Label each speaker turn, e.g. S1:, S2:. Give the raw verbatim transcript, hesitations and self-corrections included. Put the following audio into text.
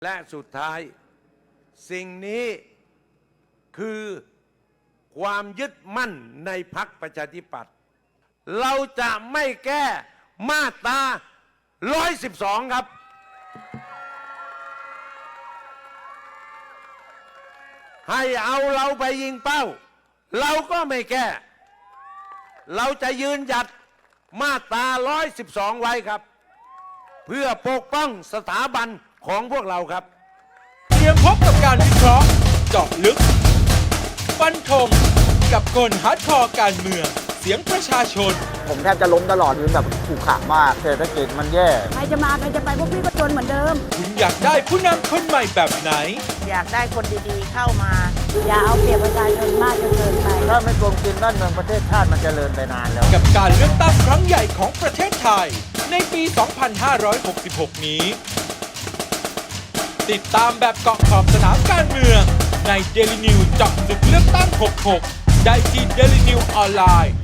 S1: และสุดท้ายสิ่งนี้คือความยึดมั่นในพรรคประชาธิปัตย์เราจะไม่แก้มาตราหนึ่งร้อยสิบสองครับให้เอาเราไปยิงเป้าเราก็ไม่แก้เราจะยืนหยัดมาตราหนึ่งร้อยสิบสองไว้ครับเพื่อปกป้องสถาบันของพวกเราครับ
S2: เตรียมพบกับการวิเคราะห์เจาะลึกฟันธงกับคนฮาร์ดคอร์การเมืองเสียงประชาชน
S3: ผมแทบจะล้มตลอดอยู่แบบขู่ขามากเศรษฐกิจมันแย่
S4: ใครจะมาใครจะไปพวกพี่ก็จนเหมือนเดิม
S2: คุณอยากได้ผู้นำคนใหม่แบบไหน
S4: อยากได้คนดีๆเข้ามาอย่าเอาเปรียบประชาชนมากจนเกินไป
S3: ถ้าไม่โกงกินบ้านเมืองประเทศชาติมันจเจริญไปนานแล้ว
S2: กับการเลือกตั้งครั้งใหญ่ของประเทศไทยในปี สองพันห้าร้อยหกสิบหก นี้ติดตามแบบเกาะขอบสนามการเมืองใน Daily News เจาะลึกเลือกตั้งหกสิบหกได้ที่ Daily News ออนไลน์